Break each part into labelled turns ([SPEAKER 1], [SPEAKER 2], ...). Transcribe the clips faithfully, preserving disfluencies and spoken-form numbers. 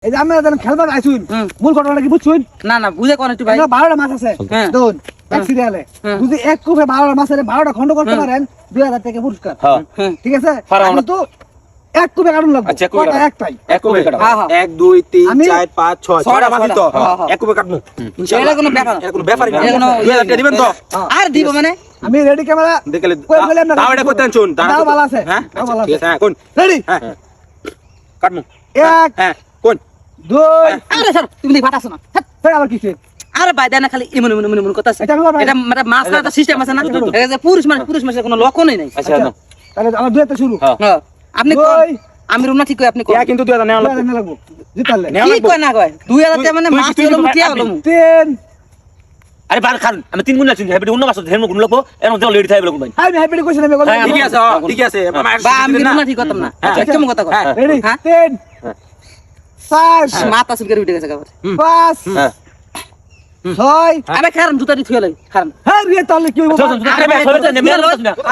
[SPEAKER 1] এই যে আমরা যখন খেলবার আইছুন মূল ঘটনাটা কি বুঝছুন?
[SPEAKER 2] না না বুঝে কোন একটু ভাই।
[SPEAKER 1] বারোটা মাছ আছে দেখুন এক সিরিয়ালে, যদি এক কুপে বারোটা মাছের বারোটা খন্ড করতে পারেন দুই হাজার টাকা পুরস্কার, ঠিক আছে? কিন্তু এক কুপে কাটুন লাগবে।
[SPEAKER 3] আচ্ছা,
[SPEAKER 1] কয়টা? একটাই।
[SPEAKER 3] এক কুপে কাটো।
[SPEAKER 2] হ্যাঁ, হ্যাঁ।
[SPEAKER 3] এক দুই তিন
[SPEAKER 1] আমি-
[SPEAKER 3] চার পাঁচ ছয় ছয়টা মাছ তো এক কুপে কাটবো
[SPEAKER 2] এটা কোনো ব্যাপার না।
[SPEAKER 3] এটা কোনো ব্যাপারই না।
[SPEAKER 2] এটা কোনো-
[SPEAKER 3] দুই হাজার টাকা দিবেন তো?
[SPEAKER 2] আর দিব মানে
[SPEAKER 1] আমি রেডি ক্যামেরা
[SPEAKER 3] দেখলে
[SPEAKER 1] কই বলে আপনারা
[SPEAKER 3] দাও এটা করতে আনছুন
[SPEAKER 1] দাও ভালো আছে।
[SPEAKER 3] হ্যাঁ
[SPEAKER 1] দাও ভালো
[SPEAKER 3] ঠিক
[SPEAKER 1] আছে।
[SPEAKER 3] আছে হ্যাঁ কোন
[SPEAKER 1] রেডি
[SPEAKER 3] হ্যাঁ কাটমু
[SPEAKER 1] এক
[SPEAKER 3] হ্যাঁ কোন
[SPEAKER 1] দুই
[SPEAKER 2] আরে স্যার তুমি দেখি বাতাস না। হ্যাঁ।
[SPEAKER 1] ফের আবার কিছু
[SPEAKER 2] আরে ভাই দেনা খালি ইমন ইমন ইমন কথা আছে।
[SPEAKER 1] এটা আমি ভাই-
[SPEAKER 2] এটা মানে মাছ না সিস্টেম আছে না। এটা যে পুরুষ মানে পুরুষ মানুষের কোনো লক্ষণই নাই।
[SPEAKER 3] আচ্ছা
[SPEAKER 1] আচ্ছা, তাহলে আমার দুই হাতে শুরু।
[SPEAKER 3] হ্যাঁ।
[SPEAKER 2] হ্যাঁ আপনি কোন
[SPEAKER 1] দুই
[SPEAKER 2] আমি রুম না ঠিক কই আপনি কোন
[SPEAKER 3] ইয়া কিন্তু দুই হাজার নেওয়া
[SPEAKER 1] দুই
[SPEAKER 3] লাগবে
[SPEAKER 1] হাতে লাগবো জিতালে।
[SPEAKER 3] নেওয়া
[SPEAKER 2] কি
[SPEAKER 3] লাগবে।
[SPEAKER 2] কয় না কয় দুই হাজার টাকা মানে
[SPEAKER 3] তুই-
[SPEAKER 2] মাছ
[SPEAKER 3] তুই
[SPEAKER 2] হলো
[SPEAKER 3] কিন্তু
[SPEAKER 2] কি
[SPEAKER 3] আপনি-
[SPEAKER 2] হলো
[SPEAKER 1] তিন
[SPEAKER 3] আরে বার খান আমি তিন গুণ আছি হেবি অন্য মাছ ধর্ম গুণ লাগবো এর মধ্যে লেডি থাকবে লাগবে ভাই
[SPEAKER 1] আমি হ্যাপি কইছেন আমি
[SPEAKER 3] হ্যাঁ ঠিক আছে হ্যাঁ, ঠিক আছে
[SPEAKER 2] বা আমি রুম না ঠিক করতাম না
[SPEAKER 3] হ্যাঁ।
[SPEAKER 2] কেমন কথা কয়
[SPEAKER 3] হ্যাঁ।
[SPEAKER 1] রেডি
[SPEAKER 2] হ্যাঁ?
[SPEAKER 1] তিন চার
[SPEAKER 2] মাথা সুবিকে উঠে গেছে গাবার
[SPEAKER 1] পাঁচ
[SPEAKER 3] হ্যাঁ
[SPEAKER 1] ছয়
[SPEAKER 2] আরে খারাপ জুতা দি থুয়ে লই খারাপ
[SPEAKER 1] হ্যাঁ রে তাহলে কি হইব?
[SPEAKER 3] আরে ভাই সরে যান নেমে আসুন না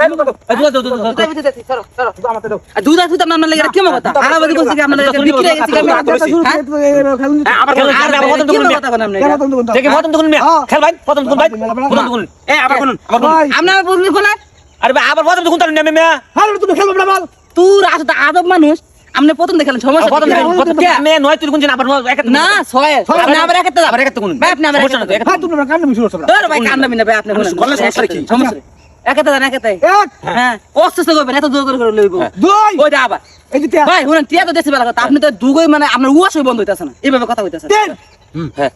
[SPEAKER 2] দুধা দুধা নাম লাগে কেমন কথা আর বলি বলছি কি আপনারা বিক্রি হয়ে গেছে আমি
[SPEAKER 1] আচ্ছা, শুরু করে তো এই খেলুন দিতে।
[SPEAKER 3] হ্যাঁ আবার খেলুন
[SPEAKER 2] আর
[SPEAKER 3] আবার প্রথম
[SPEAKER 2] কেমন
[SPEAKER 3] গুণ
[SPEAKER 2] কথা বলেন
[SPEAKER 1] কেন তুমি কোনটা?
[SPEAKER 3] দেখে প্রথম গুণ
[SPEAKER 1] হ্যাঁ।
[SPEAKER 3] খেল ভাই প্রথম গুণ ভাই প্রথম গুণ এ আবার গুণ আবার গুণ
[SPEAKER 1] ভাই,
[SPEAKER 2] আপনারা বললি কোন
[SPEAKER 3] আরে ভাই আবার প্রথম গুণ তার নেমে মেয়া
[SPEAKER 1] হ্যাঁ তুমি খেলবে না বল।
[SPEAKER 2] তুই আসলে আদব মানুষ আপনি প্রথম দেখালেন সমস্যা
[SPEAKER 3] প্রথম
[SPEAKER 2] কি?
[SPEAKER 3] গুণ প্রথম মে নয় তুই গুণ আবার এক
[SPEAKER 2] না ছয় আপনি আবার একটা
[SPEAKER 3] আবার একটা গুণ
[SPEAKER 2] ভাই আপনি আবার
[SPEAKER 3] সমস্যা না তো,
[SPEAKER 2] একটা
[SPEAKER 1] হ্যাঁ তুমি কান্না মিশু করছ না।
[SPEAKER 2] ধর ভাই কান্না মিনা ভাই আপনি বলেন
[SPEAKER 3] গলা সমস্যা কি?
[SPEAKER 2] সমস্যা নেই। একটা দেন একটা
[SPEAKER 1] এক
[SPEAKER 2] হ্যাঁ অস্ত করবেন এত জোর করে করে লইব
[SPEAKER 1] দুই
[SPEAKER 2] ওইটা আবার
[SPEAKER 1] এই যে তিন
[SPEAKER 2] ভাই শুনেন টিয়া তো দেশে বেলা কথা আপনি তো দুগই মানে আপনার উয়াশই বন্ধ হইতাছে না এইভাবে কথা হইতাছে
[SPEAKER 1] তিন
[SPEAKER 3] হ্যাঁ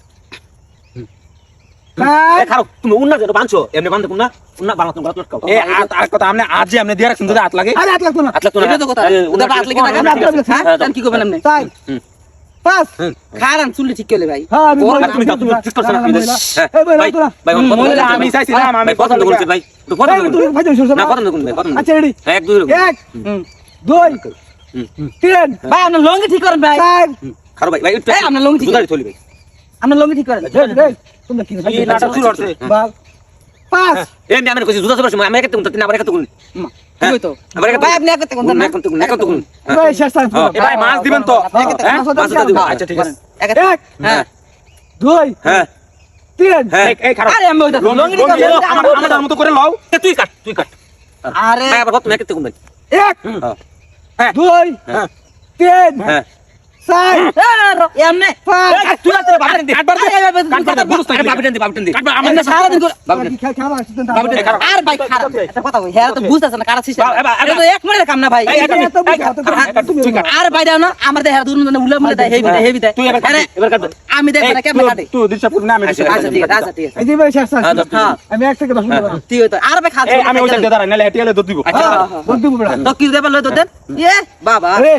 [SPEAKER 1] চার
[SPEAKER 3] এ খাও তুমি উন্না যেটা বানছো এমনি বানতে কোন না উন্না বানাতো গলা লটকাও এ আর কথা আমনে আজ যে আমনে দিয়া রাখছেন যদি হাত লাগে
[SPEAKER 1] আরে হাত লাগতো না।
[SPEAKER 3] হাত লাগতো না
[SPEAKER 2] এটা তো কথা ওটা বাত লাগি
[SPEAKER 1] আমরা
[SPEAKER 2] না
[SPEAKER 1] আপনার কাছে-
[SPEAKER 2] হ্যাঁ তাহলে কি করবেন আপনি
[SPEAKER 1] চার পাঁচ
[SPEAKER 2] খারান চুলি ঠিক করলে ভাই
[SPEAKER 1] হ্যাঁ আমি
[SPEAKER 2] বল,
[SPEAKER 1] বললাম,
[SPEAKER 3] তুমি যাও, তুমি ঠিক করছো না, তুমি যাও। হ্যাঁ,
[SPEAKER 1] এই ভাই,
[SPEAKER 3] ভাই,
[SPEAKER 1] তোরা।
[SPEAKER 3] ভাই,
[SPEAKER 2] হুম,
[SPEAKER 3] প্রথম
[SPEAKER 2] মহিলা,
[SPEAKER 3] গুণ,
[SPEAKER 1] আমি
[SPEAKER 3] ভাই,
[SPEAKER 1] চাইছিলাম,
[SPEAKER 3] ভাই, প্রথম গুণ করছি, ভাই। তো প্রথম
[SPEAKER 1] এই,
[SPEAKER 3] গুণ।
[SPEAKER 1] তুমি ভাই, তুমি শুনছো
[SPEAKER 3] না,
[SPEAKER 1] না?
[SPEAKER 3] প্রথম গুণ, ভাই, প্রথম গুণ।
[SPEAKER 1] আচ্ছা, ready?
[SPEAKER 3] হ্যাঁ, এক, দুই, গুণ।
[SPEAKER 1] এক
[SPEAKER 2] হুম।
[SPEAKER 1] দুই
[SPEAKER 3] হুম, হুম।
[SPEAKER 1] তিন
[SPEAKER 2] ভাই আপনার লঙ্গি ঠিক করেন ভাই
[SPEAKER 1] চার
[SPEAKER 3] খারো ভাই, ভাই, একটু
[SPEAKER 2] এই, আপনার লঙ্গি ঠিক
[SPEAKER 3] দুধারি থলি, ভাই।
[SPEAKER 2] আপনার লঙ্গি ঠিক করেন
[SPEAKER 1] এই, এই, তোমরা কি
[SPEAKER 3] এই নাটক শুরু হচ্ছে।
[SPEAKER 1] বাল পাঁচ
[SPEAKER 3] এই আমি আমার কইছি, দুধা চলে আসছে, আমি একাতে গুণ, তিন, আবার একাতে গুণ।
[SPEAKER 2] ঠিক তো
[SPEAKER 3] আবার একাতে
[SPEAKER 2] ভাই
[SPEAKER 3] গুণ।
[SPEAKER 2] আপনি একটা কোন না
[SPEAKER 3] একাতে গুণ, একাতে গুণ। হ্যাঁ।
[SPEAKER 1] ভাই শেষ টাইম
[SPEAKER 3] হ্যাঁ, এ ভাই, মাছ দিবেন তো?
[SPEAKER 1] হ্যাঁ,
[SPEAKER 3] হ্যাঁ,
[SPEAKER 1] মাছ
[SPEAKER 3] মাছ
[SPEAKER 1] দিবেন।
[SPEAKER 3] দিবেন। আচ্ছা, ঠিক আছে।
[SPEAKER 2] একটা
[SPEAKER 1] এক
[SPEAKER 2] হ্যাঁ
[SPEAKER 1] দুই
[SPEAKER 3] হ্যাঁ,
[SPEAKER 1] তিন
[SPEAKER 3] হ্যাঁ, এই খারো।
[SPEAKER 2] আরে আমি ওইটা লঙ্গি ঠিক
[SPEAKER 3] লঙ্গি,
[SPEAKER 2] করেন
[SPEAKER 3] আমার- আমার মতো করে লও। এ, তুই কাট, তুই কাট।
[SPEAKER 2] আরে
[SPEAKER 3] ভাই, আবার প্রথম একাতে গুণ, ভাই।
[SPEAKER 1] এক
[SPEAKER 3] হ্যাঁ। হ্যাঁ,
[SPEAKER 1] দুই
[SPEAKER 3] হ্যাঁ,
[SPEAKER 1] তিন
[SPEAKER 3] হ্যাঁ।
[SPEAKER 1] চার
[SPEAKER 2] এমনি
[SPEAKER 1] পাঁচ
[SPEAKER 3] এই, তুই আর তোর বাপের দি।
[SPEAKER 2] কাটবার দে
[SPEAKER 3] কাটবার দে, বুঝছ না, এই বাপের দি, বাপের দি। কাটবার, আমার
[SPEAKER 2] আমরা সারা দিন করে
[SPEAKER 3] বাপের দি।
[SPEAKER 1] খেলা খেলা আসছে না।
[SPEAKER 3] বাবুটা খারাপ।
[SPEAKER 2] আর ভাই খারাপ একটা কথা কই হ্যাঁ তো বুঝতাছ না কারা সিস্টেম
[SPEAKER 3] বা- এবার-
[SPEAKER 2] এটা তো এক মিনিটের কাম না ভাই
[SPEAKER 3] এই, এটা-
[SPEAKER 1] এত বুঝা, এত বুঝা,
[SPEAKER 3] এই,
[SPEAKER 1] তুমি
[SPEAKER 3] তুই কাট।
[SPEAKER 2] আর ভাই দাও না আমার দেহ দূর মানে উল্লা মুলে দেয় হেভি দেয় হেভি দেয়
[SPEAKER 3] তুই এবার কাট,
[SPEAKER 2] আরে
[SPEAKER 3] এবার কাট দে।
[SPEAKER 2] আমি দেখ
[SPEAKER 3] এই,
[SPEAKER 2] না কেমন কাটে
[SPEAKER 3] তুই দিশা পুরি না, আমি দিশা
[SPEAKER 2] আচ্ছা ঠিক আছে আচ্ছা ঠিক আছে
[SPEAKER 1] এই যে ভাই শেষ টাইম
[SPEAKER 3] হ্যাঁ, দশ মিনিট।
[SPEAKER 2] হ্যাঁ
[SPEAKER 1] আমি এক থেকে দশ মিনিট বানাবো।
[SPEAKER 2] ঠিক হইতো আর ভাই খাচ্ছি
[SPEAKER 3] এই, আমি ওইটা দিয়ে দাঁড়াই, নাহলে হেঁটে গেলে দুধ দিব।
[SPEAKER 2] আচ্ছা
[SPEAKER 1] হ্যাঁ, বল দিব বেটা।
[SPEAKER 2] তো কি দেব লই তো দেন এ বাবা
[SPEAKER 1] আরে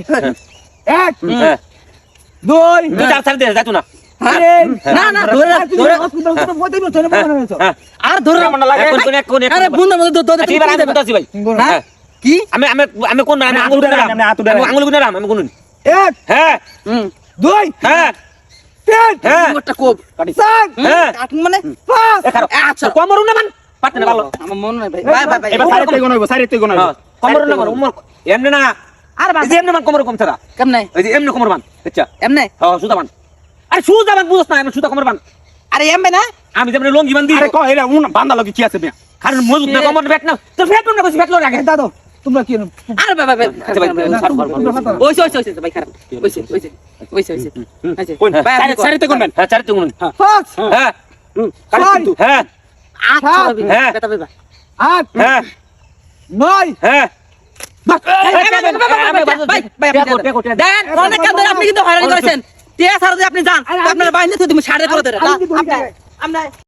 [SPEAKER 1] এক
[SPEAKER 3] হ্যাঁ।
[SPEAKER 1] দুই
[SPEAKER 3] তুই চার চার দে, যাইতো না।
[SPEAKER 1] তিন
[SPEAKER 2] না না ধরে রাখ,
[SPEAKER 1] তুমি
[SPEAKER 2] ধরে
[SPEAKER 1] হসপিটাল থেকে বইতে নিও তোরে মনে হয়েছে
[SPEAKER 3] হ্যাঁ।
[SPEAKER 2] আর ধরে রাখ।
[SPEAKER 3] কেমন লাগে? কোন- কোন এক- কোন এক-
[SPEAKER 2] আরে বুন্দা মধ্যে দো দো
[SPEAKER 3] আচ্ছা, এবার আমি বলতেছি ভাই।
[SPEAKER 2] হ্যাঁ কি
[SPEAKER 3] আমি আমি আমি কোন আমি আঙুল গুনে রাম আমি আঙুল গুনে রাম আমি গুনুন
[SPEAKER 1] এক
[SPEAKER 3] হ্যাঁ
[SPEAKER 2] হুম
[SPEAKER 1] দুই
[SPEAKER 3] হ্যাঁ
[SPEAKER 1] তিন
[SPEAKER 3] হ্যাঁ
[SPEAKER 2] একটা কোপ
[SPEAKER 1] চার
[SPEAKER 3] হ্যাঁ
[SPEAKER 2] কাট মানে
[SPEAKER 1] পাঁচ
[SPEAKER 3] এ খারাপ
[SPEAKER 2] আচ্ছা
[SPEAKER 3] কমর না মান পাটনে না ভালো
[SPEAKER 2] আমার মন নাই ভাই ভাই ভাই ভাই
[SPEAKER 3] এবার সাইড থেকে গোনাইবো সাইড থেকে গোনাইবো কমর না মান উমর এমনে না
[SPEAKER 2] আর
[SPEAKER 3] এই যে এমনে মান কমর কম ছাড়া
[SPEAKER 2] কেমনে
[SPEAKER 3] এই যে এমনে কমর মান আচ্ছা
[SPEAKER 2] এমনে
[SPEAKER 3] হ্যাঁ সুদা মান আরে সুদা মান বুঝছ না আমি সুদা কমর মান
[SPEAKER 2] আরে এমবে না
[SPEAKER 3] আমি যেমন লঙ্গি মান দিই আরে কো এরা উন বান্দা লাগি কি আছে মিয়া কারণ মজুদ না কমর বেট না তো ফেট না কইছি ফেটলো রাখে
[SPEAKER 1] দাদু তোমরা কি জানো?
[SPEAKER 2] আরে ভাই ভাই ভাই
[SPEAKER 3] আচ্ছা ভাই
[SPEAKER 2] ওইছে ওইছে ওইছে ভাই খারাপ ওইছে ওইছে ওইছে ওইছে আচ্ছা
[SPEAKER 3] কোন
[SPEAKER 2] ভাই আপনি
[SPEAKER 3] সাইড থেকে কোনবেন হ্যাঁ সাইড থেকে কোনবেন
[SPEAKER 1] পাঁচ
[SPEAKER 3] হ্যাঁ
[SPEAKER 1] ছয়
[SPEAKER 3] হ্যাঁ
[SPEAKER 2] আচ্ছা
[SPEAKER 3] হ্যাঁ।
[SPEAKER 2] বেটা বেটা
[SPEAKER 1] আট
[SPEAKER 3] হ্যাঁ
[SPEAKER 1] নয়
[SPEAKER 3] হ্যাঁ
[SPEAKER 2] দেন অনেক কাজ ধরে আপনি কিন্তু হয়রানি করেছেন টিয়া সারা দিয়ে আপনি যান আপনার বাইরে তুমি সাড়ে করে দেন
[SPEAKER 1] আমি কি বলি?
[SPEAKER 2] আমরা